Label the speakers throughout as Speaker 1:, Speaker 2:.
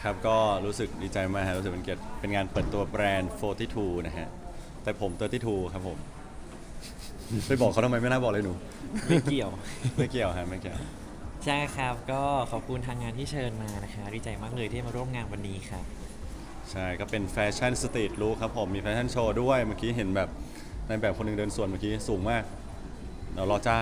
Speaker 1: ครับก็รู้สึกดีใจมากฮะรู้สึกเป็นเกียรติเป็นงานเปิดตัวแบรนด์ 42 นะฮะแต่ผม 32 ครับผมไปบอกเขาทำไมไม่น่าบอกเลยหนู
Speaker 2: ไม่เกี่ยว
Speaker 1: ไม่เกี่ยวฮะไม่เกี่ยว
Speaker 2: ใช่ครับก็ขอบคุณทางงานที่เชิญมานะคะดีใจมากเลยที่มาร่วมงานวันนี้ครับ
Speaker 1: ใช่ก็เป็นแฟชั่นสตรีทลุคครับผมมีแฟชั่นโชว์ด้วยเมื่อกี้เห็นแบบในแบบคนหนึงเดินสวนเมื่อกี้สูงมากเดี๋ยวรอจ้าง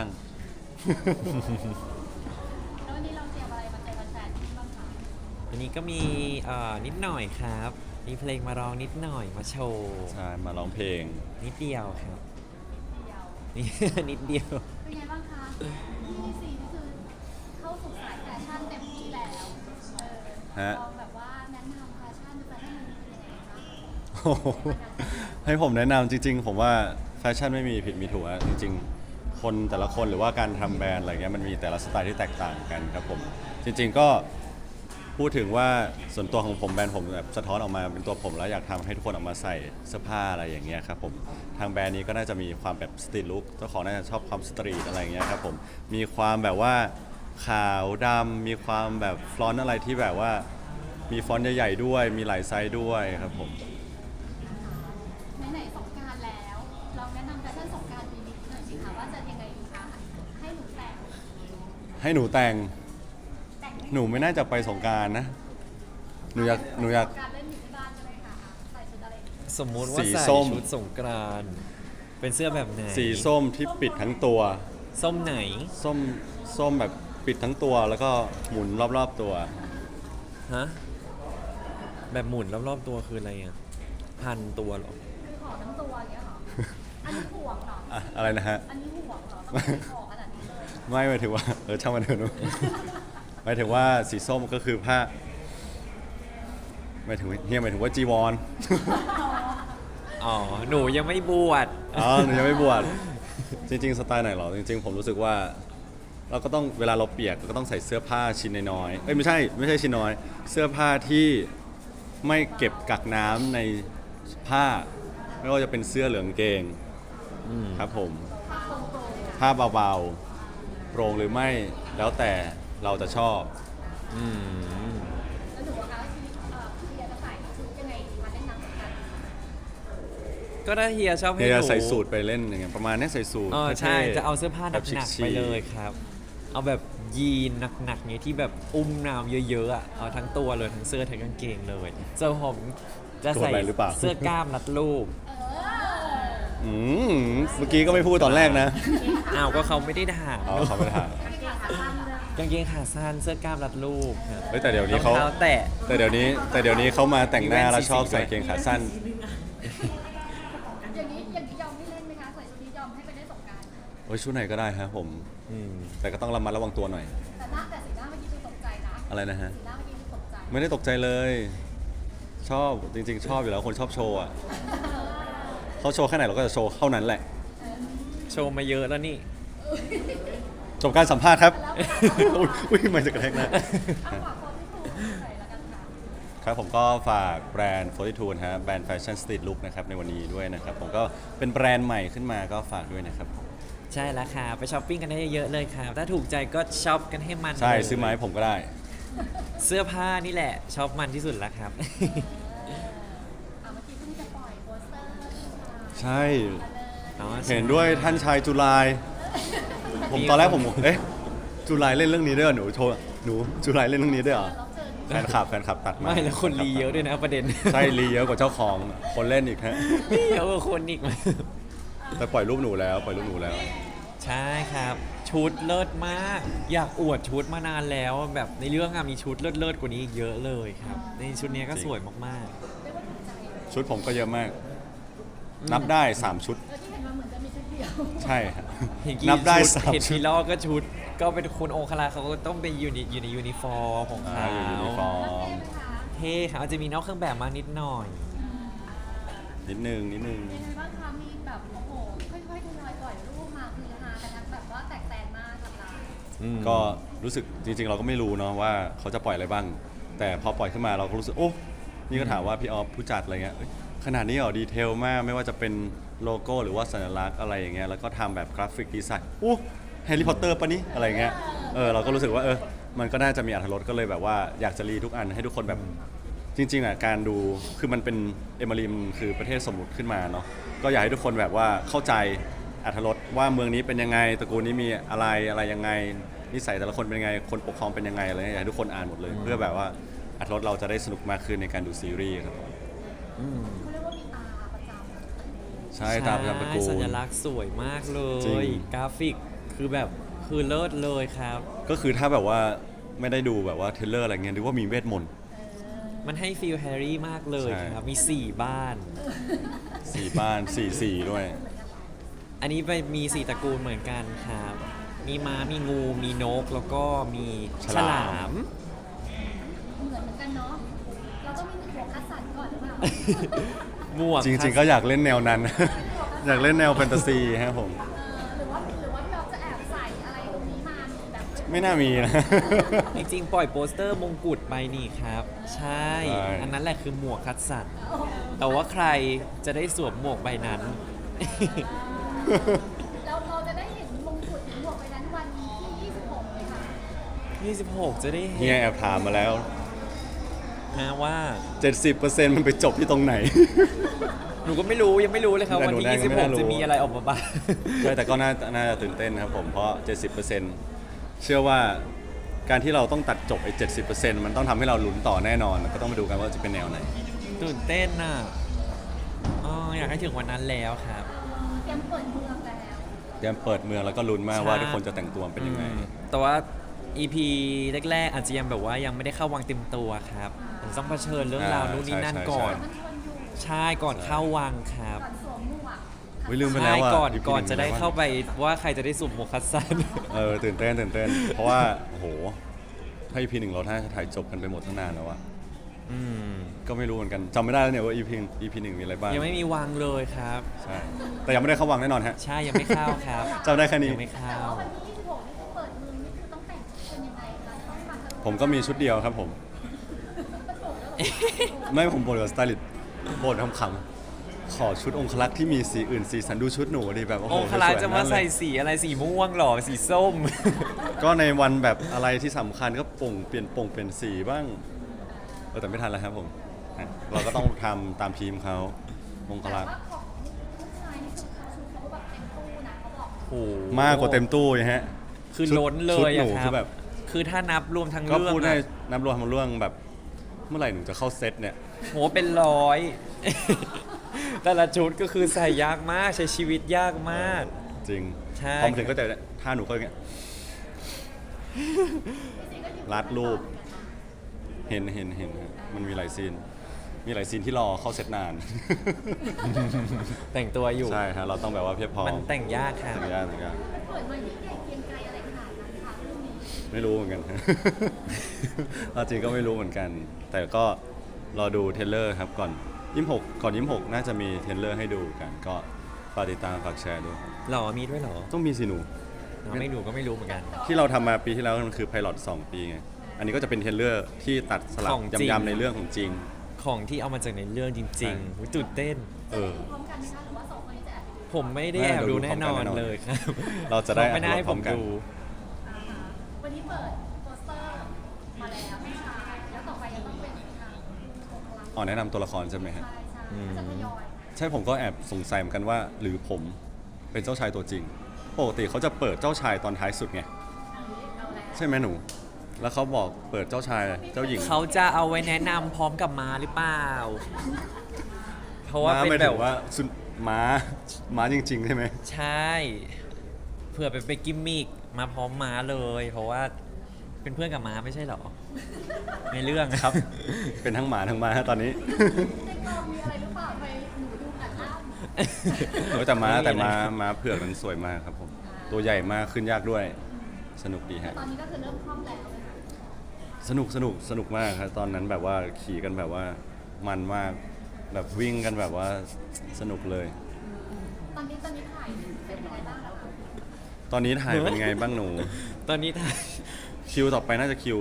Speaker 3: แล้ววันนี้เราเตรียมอะไรมาเจอแฟนๆที่บ้างคะ
Speaker 2: วันนี้ก็มีนิดหน่อยครับมีเพลงมาร้องนิดหน่อยมาโชว์
Speaker 1: ใช่มาร้องเพลง
Speaker 2: นิดเดียวครับ
Speaker 3: เดียว
Speaker 2: นี่ นิดเดียว
Speaker 3: เป็นไงบ้างคะที่สี่นี่คือเข้าสู่สายแฟชั่นเต็มที่แล้ว
Speaker 1: ฮะ
Speaker 3: ลองแบบว่าแนะนำแฟชั่นแฟชั่นมันเป็นยังไงคะ
Speaker 1: โอ้โหให้ผมแนะนำจริงๆผมว่าแฟชั่นไม่มีผิดมีถูกอะจริงๆคนแต่ละคนหรือว่าการทำแบรนด์อะไรเงี้ยมันมีแต่ละสไตล์ที่แตกต่างกันครับผมจริงๆก็พูดถึงว่าส่วนตัวของผมแบรนด์ผมแบบสะท้อนออกมาเป็นตัวผมแล้วอยากทำให้ทุกคนออกมาใส่เสื้อผ้าอะไรอย่างเงี้ยครับผมทางแบรนด์นี้ก็น่าจะมีความแบบสตรีทลุคเจ้าของน่าจะชอบความสตรีทอะไรอย่างเงี้ยครับผมมีความแบบว่าขาวดำมีความแบบฟลอนต์อะไรที่แบบว่ามีฟอนต์ใหญ่ๆด้วยมีหลายไซส์ด้วยครับผม
Speaker 3: ไหนๆสงกรานต์แล้วลองแนะนำแฟชั่นสงกรานต์ปีนี้หน่อยสิคะว่าจะยังไงดีคะให้หนูแต่ง
Speaker 1: ให้หนูแต่ง
Speaker 3: แต่ง
Speaker 1: หนูไม่น่าจะไปสงกรารนะหนูอยาก
Speaker 3: สงกรานต์เล่นอยู่ที่บ้านใช่ไหมคะใส่ชุดอะไรดี
Speaker 2: สมมุติว่า
Speaker 1: สี
Speaker 2: ใส่
Speaker 1: ส้ม
Speaker 2: ชุดสงกรานต์เป็นเสื้อแบบไหน
Speaker 1: สีส้มที่ปิดทั้งตัว
Speaker 2: ส้มไหน
Speaker 1: ส้มแบบปิดทั้งตัวแล้วก็หมุนรอบๆตัว
Speaker 2: ฮะแบบหมุนรอบๆตัวคืออะไรอ่ะพันตัวเหรอ
Speaker 3: คือห่อทั้งตัวอย่างเงี้ยเหรออันนี้ห่วงเหรอ
Speaker 1: อะอะไรนะฮะ
Speaker 3: อันนี้ห่วงเหรอต้องเป็นห่อขนาดนี้เลย
Speaker 1: ไม่หมายถึงว่าช่างมันเถอะหนู หมายถึงว่าสีส้มก็คือผ้าหมายถึงว่าจีวร
Speaker 2: อ๋อหนูยังไม่บวช
Speaker 1: อ๋อหนูยังไม่บวชจริงๆสไตล์ไหนหรอจริงๆผมรู้สึกว่าเราก็ต้องเวลาเราเปียกเราก็ต้องใส่เสื้อผ้าชิ้นน้อยๆเอ้ยไม่ใช่ชิ้นน้อย เสื้อผ้าที่ไม่เก็บกักน้ำในผ้าไม่ว่าจะเป็นเสื้อเหลืองเกงครับผมผ้าเบาๆโปร่งหรือไม่แล้วแต่เราจะชอบ
Speaker 2: อืม
Speaker 3: แล้วหนูอะคะพี่เดียจะใส่ชุดยังไงดีมาเล่นน้ำสงกรานต์
Speaker 2: ก็ถ้าเฮียชอบให้
Speaker 1: เฮี
Speaker 2: ห
Speaker 1: ย
Speaker 2: นู
Speaker 1: ใส่สูทไปเล่นอย่างเงี้ยประมาณนี้ใส่สูท
Speaker 2: อ๋อใช่
Speaker 1: ท่ๆ
Speaker 2: จะเอาเสื้อผ้าห
Speaker 1: แบบ
Speaker 2: นักๆ
Speaker 1: ชิ
Speaker 2: ไป
Speaker 1: คๆ
Speaker 2: เลยครับ เอาแบบยีนหนักๆเนี้ยที่แบบอุ้มน้ำเยอะๆอ่ะเอาทั้งตัวเลยทั้งเสื้อทั้งกางเกงเลยส่วนผมจะใส่
Speaker 1: ตัวอะไรหรือเปล่า
Speaker 2: เสื้อกล้ามรัดรูป
Speaker 1: อืมเมื่อกี้ก็ไม่พูดตอนแรกนะ
Speaker 2: อ้าวก็เขาไม่ได้ถาม
Speaker 1: อ๋อเขาไม่ได้ถาม
Speaker 2: กางเกงขาสั้นเสื้อกล้ามรัดรูปครับ
Speaker 1: เฮ้ยแต่เดี๋ยวนี้
Speaker 2: รอง
Speaker 1: เขา
Speaker 2: เท้าแตะ
Speaker 1: แต่เดี๋ยวนี้เขามาแต่งหน้าแล้วชอบใส่เกงขาสั้น
Speaker 3: อย่างนี้ยอมไม่เล่นไหมคะใส่ชุดนี้ยอมให้ไปเล่นสงกรานต์
Speaker 1: โอ้ยชุดไหนก็ได้ครับผม
Speaker 2: อืม
Speaker 1: แต่ก็ต้องระมัดระวังตัวหน่อย
Speaker 3: แต่สีหน้าเมื่อกี้คือตกใจนะ
Speaker 1: อะไรนะฮะ
Speaker 3: สีหน้าเมื่อกี้คือตกใจ
Speaker 1: ไม่ได้ตกใจเลย ชอบจริงๆ ชอบอยู่แล้วคนชอบโชว์อ่ะเขาโชว์แค่ไหนเราก็จะโชว์เท่านั้นแหละ
Speaker 2: โชว์มาเยอะแล้วนี่
Speaker 1: จบการสัมภาษณ์ครับ อุ้ยไม่จะกระแทกหนะ
Speaker 3: เอาฝากคนที่ถูกใส่แล้วกันค่ะ
Speaker 1: ครับผมก็ฝากแบรนด์ 42 นะฮะแบรนด์แฟชั่นสตรีทลุคนะครับในวันนี้ด้วยนะครับผมก็เป็นแบรนด์ใหม่ขึ้นมาก็ฝากด้วยนะครับ
Speaker 2: ใช่แล้วค่ะไปช้อปปิ้งกันได้เยอะๆเลยครับถ้าถูกใจก็ช็อปกันให้มัน
Speaker 1: ใช่
Speaker 2: เลย
Speaker 1: ซื้อไมาให้ผมก็ได้
Speaker 2: เสื้อผ้านี่แหละช็อปมันที่สุดแล้วครับ
Speaker 3: เมื่อกี้เพิ่งจะปล่อยโปสเตอร์
Speaker 1: ใช่
Speaker 2: อ๋อ
Speaker 1: เห็นด้วยท่านชายจุลาย ผมตอนแรกผมเอ๊ะจุลายเล่นเรื่องนี้ด้วยเหรอหนูโชว์หนูจุลายเล่นเรื่องนี้ด้วยเหรอ
Speaker 3: แล้วเจอ
Speaker 1: แฟนคลับตัดมา
Speaker 2: ไม่แล้วคนรีเยอะด้วยนะประเด็น
Speaker 1: ใช่รีเยอะกว่าเจ้าของคนเล่นอีกฮะ
Speaker 2: เยอะกว่าคนอีก
Speaker 1: แต่ปล่อยรูปหนูแล้ว
Speaker 2: ใช่ครับ ชุดเลิศมาก อยากอวดชุดมานานแล้ว แบบในเรื่องอะมีชุดเลิศๆกว่านี้อีกเยอะเลยครับในชุดเนี้ยก็สวยมาก
Speaker 1: ชุดผมก็เยอะมาก นับได้ 3 ชุด
Speaker 3: ที่เห็นมาเหมือนจะมีชุดเดียว
Speaker 1: ใช่ฮะ
Speaker 2: ๆเห็นกี่
Speaker 1: นับได้
Speaker 2: ชุ
Speaker 1: 3
Speaker 2: เห็น
Speaker 1: ชุ
Speaker 2: พี
Speaker 1: ด
Speaker 2: ลอก็ชุด ก็เป็นคุณองคลาเขาก็ต้องเป็นอยู่ในยูนิฟอร์มของ
Speaker 1: อ่า
Speaker 2: เขา
Speaker 1: อยู่ยูนิฟอร์ม
Speaker 2: เท่ครับอาจจะมีนอกเครื่องแบบมานิดหน่อย
Speaker 1: นิดนึง
Speaker 3: เป็นไงบ้างคะมีแบบโอ้โหค่อยๆทยอยปล่อยรูปมาคือฮากันทั้งแบบว่าแตกแตนมากกับเรา
Speaker 1: ก็รู้สึกจริงๆ เราก็ไม่รู้เนาะว่าเขาจะปล่อยอะไรบ้าง แต่พอปล่อยขึ้นมาเราก็รู้สึกโอ้นี่ก็ถามว่าพี่ออฟผู้จัดอะไรเงี้ยเอ้ยขนาดนี้เหรอดีเทลมากไม่ว่าจะเป็นโลโก้หรือว่าสัญลักษณ์อะไรอย่างเงี้ยแล้วก็ทำแบบกราฟิกดีไซน์โอ้แฮร์รี่พอตเตอร์ปะนี่อะไรเงี้ยเราก็รู้สึกว่ามันก็น่าจะมีอรรถรสก็เลยแบบว่าอยากจะรีทุกอันให้ทุกคนแบบจริงๆอ่ะการดูคือมันเป็นเอมาริมคือประเทศสมมุติขึ้นมาเนาะก็อยากให้ทุกคนแบบว่าเข้าใจอรรถรสว่าเมืองนี้เป็นยังไงตระกูลนี้มีอะไรยังไงนิสัยแต่ละคนเป็นยังไงคนปกครองเป็นยังไงอะไรเงี้ยอยากให้ทุกคนอ่านหมดเลย เพื่อแบบว่าอรรถรสเราจะได้สนุกมากขึ้นในการดูซีรีส์ครับผม
Speaker 3: เขาเรียกว่ามีตาประจำ
Speaker 1: ใช่ตามประจำตระกูล
Speaker 2: สัญลักษณ์สวยมากเล
Speaker 1: จริ
Speaker 2: ย
Speaker 1: ง
Speaker 2: กราฟิกคือแบบคือเลิศเลยครับ
Speaker 1: ก็คือถ้าแบบว่าไม่ได้ดูแบบว่าเทรลเลอร์อะไรเงี้ยนึกว่ามีเวทมนต์
Speaker 2: มันให้ฟีลแฮร์รี่มากเลย
Speaker 1: ใช่
Speaker 2: ครับ มี 4 บ้าน
Speaker 1: 4 บ้าน4 ด้วย
Speaker 2: อันนี้ไปมี 4 ตระกูลเหมือนกันครับ มีม้า มีงู มีนก แล้วก็มี
Speaker 1: ฉ
Speaker 2: ฉ
Speaker 1: ลาม
Speaker 2: ลาม
Speaker 3: เหมือนกันเนาะเราต้องมีหัวคัดสรรก่อนหรือเปล่า
Speaker 2: หมวก
Speaker 1: จริงๆ ก็อยากเล่นแนวนั้น อยากเล่นแนวแฟนตาซีครับผม
Speaker 3: หรือว่าพี่อ๊อฟจะแอบใส่อะไรตรงนี้มามีแบบ
Speaker 1: ไม่น่ามีนะ
Speaker 2: จริงๆ ปล่อยโปสเตอร์มงกุฎไปนี่ครับ ใช่
Speaker 1: ใช่
Speaker 2: อันนั้นแหละคือหมวกคัดสรรแต่ว่าใครจะได้สวมหมวกใบนั้น
Speaker 3: เราจะได้เห็นมงกุฎหรือหมวกไปนั้นวันที่ 26เลยค่ะ
Speaker 2: 26 จะได้
Speaker 1: เฮี
Speaker 2: เห็
Speaker 1: ย
Speaker 2: น
Speaker 1: แอบถามมาแล้ว
Speaker 2: นะว่า
Speaker 1: 70%มันไปจบที่ตรงไหน
Speaker 2: หนูก็ไม่รู้ยังไม่รู้เลยครับ
Speaker 1: แต่
Speaker 2: วัน
Speaker 1: หนู
Speaker 2: ที่
Speaker 1: แน่ก็ไม่น่ารู้
Speaker 2: 26 จะมีอะไรออกมาบ้าง
Speaker 1: ใช่แต่ก็น่าจะตื่นเต้นครับผมเพราะ 70%เชื่อว่าการที่เราต้องตัดจบไอ้70%มันต้องทำให้เราลุ้นต่อแน่นอน ก็ต้องมาดูกันว่าจะเป็นแนวไหน
Speaker 2: ตื่นเต้นน่ะอ๋ออยากให้ถึงวันนั้นแล้วครับ
Speaker 3: เตรียมเปิดเมืองแล้ว
Speaker 1: เตรียมเปิดเมืองแล้วก็ลุ้นมาก
Speaker 2: ใช่
Speaker 1: ว่าทุกคนจะแต่งตัวเป็นยังไง
Speaker 2: แต่ว่า EP แรกๆอาจจะยังแบบว่ายังไม่ได้เข้าวังเต็มตัวครับต้องเผชิญเรื่องราวนู่นนี่นั่นก่อน
Speaker 3: มันชวนอยู่
Speaker 2: ใช่ก่อนเข้าวังครับ
Speaker 3: ก่อนสวมหมวก
Speaker 1: อุ๊ยลืมไปแล้ว
Speaker 2: ใช่
Speaker 1: ว่า
Speaker 2: ก่อน
Speaker 1: EP
Speaker 2: ก่อน
Speaker 1: หนึ่ง
Speaker 2: จะได้
Speaker 1: มีอะไรบ้าง
Speaker 2: เข้าไปว่าใครจะได้สุ่มหมวกคัดสัน
Speaker 1: ตื่นเต้น เพราะว่าโอ้โหถ้า EP 1เราถ้าถ่ายจบกันไปหมดตั้งนานแล้วอะ
Speaker 2: อืม
Speaker 1: ก็ไม่รู้เหมือนกันจำไม่ได้แล้วเนี่ยว่า EP 1มีอะไรบ้าง
Speaker 2: ยังไม่มีวังเลยครับ
Speaker 1: ใช่แต่ยังไม่ได้เข้าวังแน่นอนฮะ
Speaker 2: ใช่ยังไม่เข้าครับ
Speaker 1: จำได้แค่นี้
Speaker 2: ยังไม่เข้า
Speaker 3: แต่ว่าวันที่ 26 นี่คือเปิดเมืองนี่คือต้องแต่งชุดเป็นยังไงคะต้องมาทะ
Speaker 1: ผมก็มีชุดเดียวครับผม ไม่ผมบ่นกับสไตลิสต์บ่นคำๆขอชุดองครักษ์ที่มีสีอื่นสีสันดูชุดหนูดิแบบโอ้โห
Speaker 2: องคลา
Speaker 1: สวยๆ
Speaker 2: จะมา
Speaker 1: ทั้งนั้นเลย
Speaker 2: ใส่สีอะไรสีม่วงหรอสีส้ม
Speaker 1: ก็ในวันแบบอะไรที่สำคัญก็เปลี่ยนสีบ้างแต่ไม่ทันแล้วครับผมอ่ะเราก็ต้องทำตามทีมเขาองค
Speaker 3: แต่
Speaker 1: รักษ์
Speaker 3: ว่าของผู้ชายนี่คือเขาชุดเขาแบบเต็มตู้นะเขาบอก
Speaker 2: โอ้โห
Speaker 1: มากกว่าเต็มตู้เลยฮะ
Speaker 2: คือ
Speaker 1: ชุด
Speaker 2: ล้นเล
Speaker 1: ชุด
Speaker 2: ย
Speaker 1: ห
Speaker 2: อะ
Speaker 1: นู
Speaker 2: ค
Speaker 1: คื
Speaker 2: รับ
Speaker 1: อแบบ
Speaker 2: คือถ้านับรวมทั้ง
Speaker 1: ก็
Speaker 2: เรื่อง
Speaker 1: พูดใน
Speaker 2: อะ
Speaker 1: นับรวมทั้งเรื่องแบบ เมื่อไหร่หนูจะเข้าเซตเนี่ย
Speaker 2: โหเป็นร้อย แต่ละชุดก็คือใส่ยากมากใช้ชีวิตยากมาก
Speaker 1: จริง
Speaker 2: ใช่
Speaker 1: พอมาถึงก็จะท่าหนูก็อย่างเงี้ยรัดรูป เห็นฮะมันมีหลายซีน มีหลายซีนที่รอเข้าเซตนาน
Speaker 2: แต่งตัวอยู่
Speaker 1: ใช่ฮะเราต้องแบบว่าเพียบพร้อม
Speaker 2: มันแต่งยากครับ
Speaker 1: แต่งยาก
Speaker 3: เปิดมายิ่งใหญ่เกรียงไกรอะไรขนาดนั้นคะเรื่องนี้
Speaker 1: ไม่รู้เหมือนกัน เอาจริงก็ไม่รู้เหมือนกัน แต่ก็รอดูเทรลเลอร์ครับก่อน26น่าจะมีเทรลเลอร์ให้ดูกัน ก็ฝากติดตามฝากแชร์ด้วยครับ
Speaker 2: หรอมีด้วยเหรอ
Speaker 1: ต้องมีสิหนู
Speaker 2: เราไม่รู้ก็ไม่รู้เหมือนกัน
Speaker 1: ที่เราทำมาปีที่แล้วมันคือไพลอต2 ปีไง อันนี้ก็จะเป็นเทรลเลอร์ที่ตัดสลับ
Speaker 2: ของจริง
Speaker 1: ยำๆในเรื่องของจริง
Speaker 2: ของที่เอามาจากในเรื่องจริง
Speaker 1: ใช่
Speaker 2: ๆหูตื่นเต้น
Speaker 1: เออ
Speaker 3: พร้อมกันไหมคะหรือว่าสองคนนี้จะแอบไปดู
Speaker 2: ผมไม่ได้แอบดูแน่นอนเลยครับ
Speaker 1: เราจะได้
Speaker 2: ไม่ได้ให้ผม
Speaker 1: พร้อมกัน
Speaker 2: ดู
Speaker 3: วันนี้เปิดโปสเตอร์มาแล้วไม่ช้าแล้วต่อไปยังต้องเป็นทางองคลักษ์
Speaker 1: อ๋อแนะนำตัวละครใช่ไหมฮะ
Speaker 3: ใช่จะทยอย
Speaker 1: ใช่ผมก็แอบสงสัยเหมือนกันว่า หรือผมเป็นเจ้าชายตัวจริง ปกติเขาจะเปิดเจ้าชายตอนท้ายสุดไง
Speaker 3: เอาแล้ว
Speaker 1: ใช่ไหมหนู แล้วเขาบอกเปิดเจ้าชายเจ้าหญิง
Speaker 2: เขาจะเอาไว้แนะนำพร้อมกับมาหรือเปล่า เพราะว่า
Speaker 1: ม้า
Speaker 2: เป็น
Speaker 1: ไม่
Speaker 2: แบ
Speaker 1: ถึ
Speaker 2: บ
Speaker 1: งว่าสุนม้าจริง ๆ ใช่ไหม
Speaker 2: ใช่ เผื่อเป็นกิมมิกมาพร้อมม้าเลย เพราะว่าเป็นเพื่อนกับม้าไม่ใช่เหรอ ในเรื่อง
Speaker 1: ครับ เป็นทั้งหมาทั้งม้าตอนนี้
Speaker 3: ในกองมีอะไรหรือเปล่าไปหนูดูกันอ้ำ
Speaker 1: โอ้ยแต่ม้าเผือกนั้นสวยมากครับผม ตัวใหญ่มากขึ้นยากด้วย สนุกดีฮะ
Speaker 3: ตอนนี้ก็คือเริ่มคล่องแล้วนะคะ
Speaker 1: สนุกมากครับตอนนั้นแบบว่าขี่กันแบบว่ามันมาก แบบวิ่งกันแบบว่าสนุกเลย
Speaker 3: ตอนนี้ถ่ายเป็นยังไงบ้างแล้วคะ
Speaker 1: ตอนนี้ถ่ายเป็นไงบ้างหนู
Speaker 2: ตอนนี้ถ่าย
Speaker 1: คิวต่อไปน่าจะคิว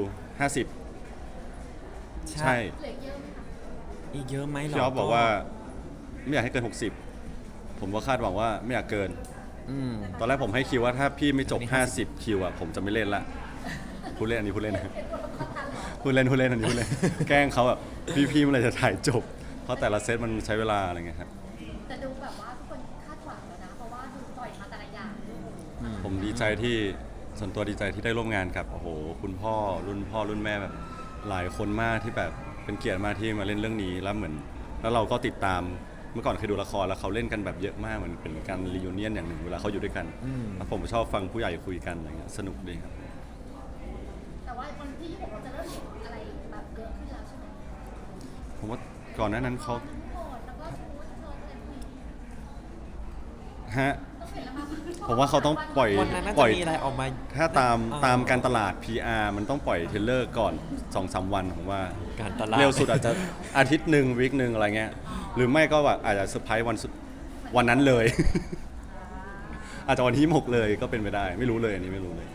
Speaker 1: 50 ใช่
Speaker 3: เหลือเยอะไหมคะ
Speaker 2: อีกเยอะไหมเหรอ
Speaker 1: พี่ออฟบอกว่าไม่อยากให้เกิน 60 ผมก็คาดหวังว่าไม่อยากเกิน
Speaker 2: อืม
Speaker 1: ตอนแรกผมให้คิวว่าถ้าพี่ไม่จบ
Speaker 2: อันนี้
Speaker 1: 50 คิวอ่ะผมจะไม่เล่นละพูดเล่นอันนี้พูดเล่นนะพูดเล่นอันนี้พูดเล่น แกล้งเขาแบบพี่เมื่อไหรจะถ่ายจบ เพราะแต่ละเซตมันใช้เวลาอะไรเงี้ยครับ
Speaker 3: แต่ดูแบบว่าทุกคนคาดหวังแล้วนะ เพราะว่าดูปล่อยมาแต่ละอย่าง
Speaker 1: ผมดีใจที่ส่วนตัวดีใจที่ได้ร่วมงานกับโอ้โหคุณพ่อรุ่นแม่แบบหลายคนมากที่แบบเป็นเกียรติมากที่มาเล่นเรื่องนี้แล้วเหมือนแล้วเราก็ติดตามเมื่อก่อนเคยดูละครแล้วเขาเล่นกันแบบเยอะมากเหมือนเป็นการรียูเนียนอย่างหนึ่งเวลาเขาอยู่ด้วยกันแล้วผมชอบฟังผู้ใหญ่คุยกันอะไรเงี้ยสนุกดีครับ
Speaker 3: แต่ว่าวันที่26เราจะเริ่มเห็นอะไรแบบเยอะขึ้นแล้วใช่ไหม
Speaker 1: ผมว่าก่อนหน้านั้นเขา
Speaker 3: ทั้งโหดแล้วก็ชุดเธอเต็มที่
Speaker 1: ฮะ
Speaker 3: ต้องเห็นแล้วมั้ย
Speaker 1: ผมว่าเขาต้องปล่อย
Speaker 2: วันนั้นน่า
Speaker 1: ปล่
Speaker 2: จะ
Speaker 1: อย
Speaker 2: มีอะไรออกมา
Speaker 1: ถ้าตาม
Speaker 2: อ่
Speaker 1: ตามการตลาด PR มันต้องปล่อยเทรลเลอร์ก่อน 2-3 วันผมว่า
Speaker 2: การตลาด
Speaker 1: เร็วสุดอาจจะอาทิตย์หนึ่งวีคหนึ่งอะไรเงี้ยหรือไม่ก็แบบอาจจะเซอร์ไพรส์วันนั้นเลย อาจจะวันที่6เลยก็เป็นไปได้ ไม่รู้เลยอันนี้ไม่รู้เลย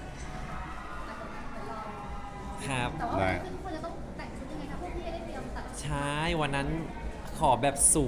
Speaker 2: ครับ
Speaker 3: แต่ว่าวันนี้คุณจะต้องแต่งชุดยังไงคะพวกพี่ได้เตรียมตัด
Speaker 2: ใช่วันนั้นขอแบบส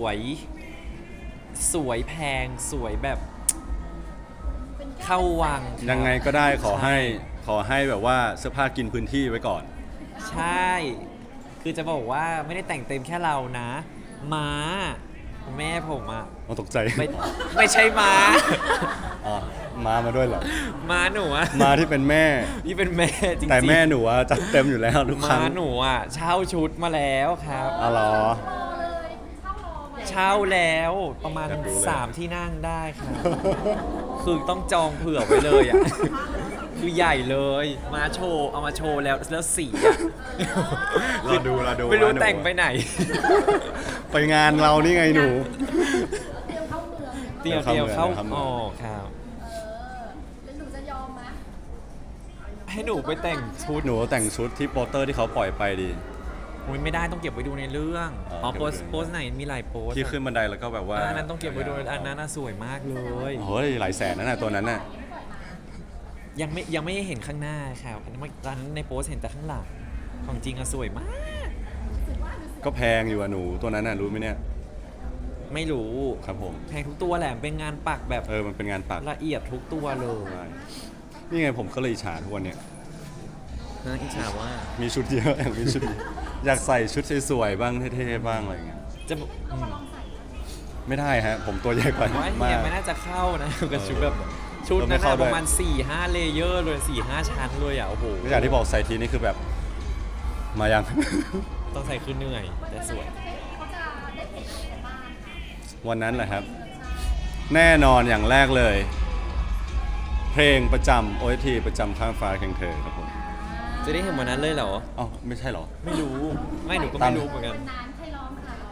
Speaker 2: วยแพงสวยแบบ
Speaker 3: เป็นแก้ว
Speaker 2: เข้าวัง
Speaker 1: ยังไงก็ได้ขอให้แบบว่าเสื้อผ้ากินพื้นที่ไว้ก่อน
Speaker 2: ใช่ คือจะบอกว่าไม่ได้แต่งเต็มแค่เรานะ ม้าแม่ผมอะ
Speaker 1: อ๋อตกใจ
Speaker 2: ไม่ใช่ม้า
Speaker 1: อ๋อมาด้วยเหรอ
Speaker 2: ม้าหนูอะ
Speaker 1: มาที่เป็นแม่
Speaker 2: นี่เป็นแม่จริงๆ
Speaker 1: แต่แม่หนูอะจัดเต็มอยู่แล้วทุกครั้
Speaker 2: ม้าง หนูอะเช่าชุดมาแล้วครับ
Speaker 1: อ๋อเหรอ
Speaker 3: รอเลยเช่ารอมา
Speaker 2: เช่าแล้วประมาณ
Speaker 1: อยากรู้เลย
Speaker 2: 3 ที่นั่งได้ครับ คือต้องจองเผื่อไว้เลยอ่ะ คือใหญ่เลยมาโชว์เอามาโชว์แล้วสีอ่ะ
Speaker 1: รอดู
Speaker 2: ไม่รู้
Speaker 1: ว่าหนู
Speaker 2: แต่งไปไหน
Speaker 1: ไปงานเรานี่ไงหนู
Speaker 3: เตรียมเข้าเมือง
Speaker 2: เตรียม
Speaker 1: เข้าเมือง
Speaker 2: เข้า
Speaker 1: เข้าเมือง
Speaker 2: อ๋อครับ
Speaker 3: แล้วหนูจะยอมไหม
Speaker 2: ให้หนูไปแต่งชุด
Speaker 1: หนูแต่งชุดที่โปสเตอร์ที่เขาปล่อยไปดี
Speaker 2: อุ๊ยไม่ได้ต้องเก็บไว้ดูในเรื่อง
Speaker 1: อ๋อ
Speaker 2: อ๋อ
Speaker 1: เก็บ
Speaker 2: โพ
Speaker 1: ไว้
Speaker 2: ส
Speaker 1: ดู
Speaker 2: โพสไหนมีหลายโพส
Speaker 1: ที่ขึ้นบันไดแล้วก็แบบว่า
Speaker 2: อันนั้นต้องเก็บไว้ดูอันนั้นน่ะสวยมากเลย
Speaker 1: โอ้ยหลายแสนนั่นน่ะตัวนั้นน่ะ
Speaker 2: ยังไม่เห็นข้างหน้าครับอันนั้นในโพสเห็นแต่ข้างหลังของจริงอะสวยมาก
Speaker 1: ก็แพงอยู่อะหนูตัวนั้นน่ะรู้ไหมเนี่ย
Speaker 2: ไม่รู้
Speaker 1: ครับผม
Speaker 2: แพงทุกตัวแหละเป็นงานปักแบบ
Speaker 1: มันเป็นงานปัก
Speaker 2: ละเอียดทุกตัวเลย
Speaker 1: ใช่นี่ไงผมก็เลยอิจฉาทุกวันเนี่ย
Speaker 2: นะอิจฉาว่า
Speaker 1: มีชุดเยอะอยากมีชุดเยอะอยากใส่ชุดสวยๆบ้างเท่ๆบ้างอะไรอย่างเงี้ย
Speaker 2: จะ
Speaker 3: เรามาลองใส่
Speaker 1: ไม่ได้ฮะผมตัวใหญ่กว่า
Speaker 2: ว่า
Speaker 1: มา
Speaker 2: เฮีย
Speaker 1: ก
Speaker 2: ไม่น่าจะเข้านะกับชุดแบบชุด
Speaker 1: เราไม่
Speaker 2: นั้น
Speaker 1: เข้า
Speaker 2: อะ
Speaker 1: ด้วย
Speaker 2: ประมาณ 4-5 เลเยอร์เลย 4-5 ชั้นเลยอ่ะโอ้โห
Speaker 1: ก็อย่างที่บอกใส่ทีนี่คือแบบมายัง
Speaker 2: ต้องใส่คือเหนื่อย แต่สวย
Speaker 3: เขาจะได้เห็นอะไรบ้างค่ะ
Speaker 1: วันนั้นแหละครับ แน่นอนอย่างแรกเลย เพลงประจำ OST ประจำข้างฟ้าเคียงเธอครับผม
Speaker 2: จะได้เห็นวันนั้นเลยเหรอ
Speaker 1: อ๋อไม่ใช่เหรอ
Speaker 2: ไม่รู้ ไม่หนูก็ไม่รู้เหมือนกัน
Speaker 3: วันนั้นใครร้องใครร้อง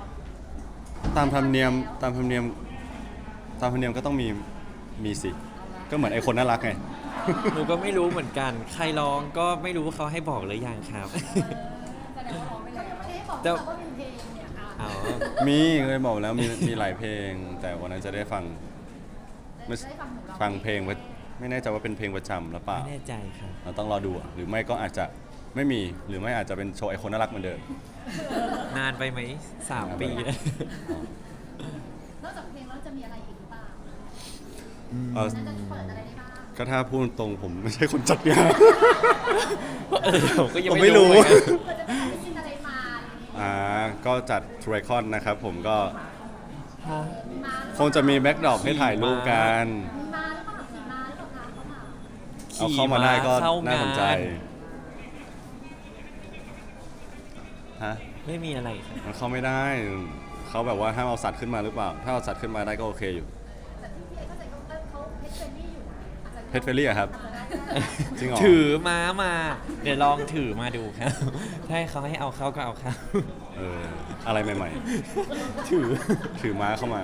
Speaker 1: ตามธรรมเนียมก็ต้องมีสิ ก็เหมือนไอคนน่ารักไง
Speaker 2: หนูก็ไม่รู้เหมือนกัน ใครร้องก็ไม่รู้ว่าเขาให้บอกหรือยังครับ
Speaker 3: แสดงว่าร้องไปเลยไม่ได้บอก
Speaker 2: แต่
Speaker 3: ว่ามีเพลงเนี่ยค่ะ
Speaker 2: อ๋อ
Speaker 1: มีเคยบอกแล้วมีหลายเพลง แต่วันนั้นจะได้ฟัง ไม่
Speaker 3: ได้ฟังหนูร้อง
Speaker 1: ฟังเพลงไว้ไม่แน่ใจว่าเป็นเพลงประจำหรือเปล่า
Speaker 2: ไม่แน่ใจครับ
Speaker 1: เราต้องรอดูอะหรือไม่ก็อาจจะไม่มีหรือไม่อาจจะเป็นโชว์ไอคนน่ารักเหมือนเดิม
Speaker 2: นานไปไหม 3 ปีแล้ว
Speaker 3: นอกจากเพลงแล้วจะมีอะไรอีกหรือเปล่า
Speaker 1: เออ
Speaker 3: น่าจะเปิดอะไรได้บ้าง
Speaker 1: ก็ถ้าพูดตรงผมไม่ใช่คนจัดงาน
Speaker 2: ผมก็ยัง
Speaker 1: ผมไม่
Speaker 2: ไม่
Speaker 1: รู้
Speaker 2: รู้เหมือนกัน
Speaker 3: เปิดจะไปหาไปกินอะไรมาอะไรอย่างงี้
Speaker 1: ก็จัดทร i คอนนะครับผมก็
Speaker 3: มีมาหรือ
Speaker 1: คงจะมีแบ็กดรอปให้ถ่ายรูปกัน
Speaker 3: มีมาหรือเปล่าขี่มาหรือเปล่าคะเขาถาม
Speaker 1: เอาเข้ามาได้ก็
Speaker 2: เข้
Speaker 1: น่าสนใจ
Speaker 2: งาน
Speaker 1: ฮะ
Speaker 2: ไม่มีอะไรครับ
Speaker 1: มันเข้าไม่ได้ เขาแบบว่าห้ามเอาสัตว์ขึ้นมาหรือเปล่า ถ้าเอาสัตว์ขึ้นมาได้ก็โอเคอยู่
Speaker 3: แต่ที่พี่เอเข้าใจเขาเพชรเฟรนลี่อยู่นะอาจจะ
Speaker 1: เพชรเฟรลี่อะครับ
Speaker 3: อาจจะได้ก็ได้
Speaker 1: จริงเหรอ
Speaker 2: ถือม้ามา เดี๋ยวลองถือมาดูครับ ถ้าให้เขาให้เอาเข้าก็เอาเข้า
Speaker 1: อะไรใหม่
Speaker 2: ถือ
Speaker 1: ๆ ถือม้าเข้ามา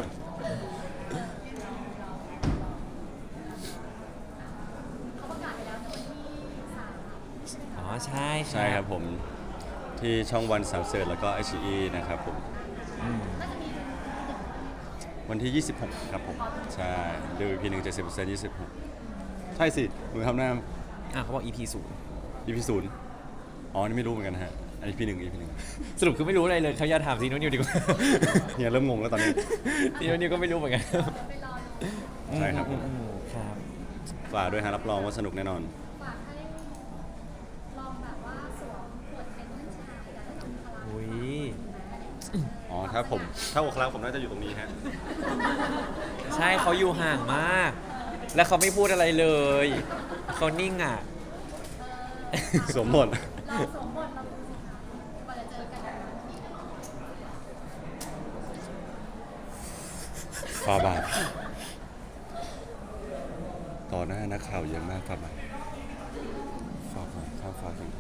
Speaker 3: เขาประกาศไปแล้วในวันที่3
Speaker 2: อ๋อใช่
Speaker 1: ใช่ครับผม ที่ช่องวันสามเสิร์แล้วก็ไอชีนะครับผม
Speaker 2: อืม
Speaker 3: น่าจะมี
Speaker 1: วันที่ 26 ครับผม ใช่ดู EP 1 70% 26 ใช่สิมือทำหน้า
Speaker 2: เขาบอก EP 0
Speaker 1: EP 0อ๋อ นี่ไม่รู้เหมือนกันฮะอัน EP 1 EP 1
Speaker 2: สรุปคือไม่รู้อะไรเลยเขาอย่าถามซีโนนิวดีกว่า
Speaker 1: เฮียเริ่มงงแล้วตอนนี้
Speaker 2: ซีโนนิวก็ไม่รู้เหมือนกัน
Speaker 3: ไปรอดู
Speaker 1: ใช่ครับผม
Speaker 2: ครับ
Speaker 1: ฝากด้วยฮะรับรองว่าสนุกแน่นอน
Speaker 3: ฝากให้ลองแบบว่าสวมขวดเป็นเช
Speaker 1: ถ้าอกครั้งผมน่าจะอยู่ตรงนี้ฮะ
Speaker 2: ใช่เขาอยู่ห่างมาก แล้วเขาไม่พูดอะไรเลยเขานิ่งอ่ะ
Speaker 1: สวมบท
Speaker 3: เราสวมบทเราดูสิคะกว่าจะเจอกัน
Speaker 1: ฟาบาทต่อหน้านักข่าวเยอะมากฟาบาทฟาบาทข้าวฟ้าถึง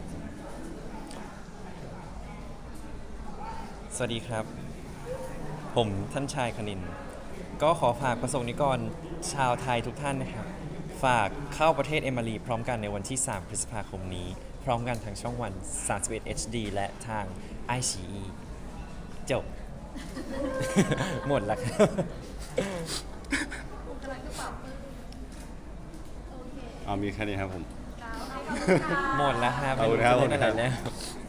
Speaker 2: สวัสดีครับ ผมท่านชายคณิน ก็ขอฝากประสงค์นิกรชาวไทยทุกท่านนะครับ ฝากเข้าประเทศเอมารีพร้อมกันในวันที่ 3 พฤษภาคมนี้ พร้อมกันทางช่องวัน 31 HD และทาง iQIYI จบ หมดแล้วครับ
Speaker 3: กำลังจะปรับมือโอเค
Speaker 1: เอามีแค่นี้ครับผม
Speaker 3: ขอบคุณค่ะ
Speaker 2: หมดแล้วครับ
Speaker 1: ขอบคุณครับ
Speaker 2: ไม่รู้จะเล่นอะไร
Speaker 1: ขอบคุณครับ
Speaker 2: แล้ว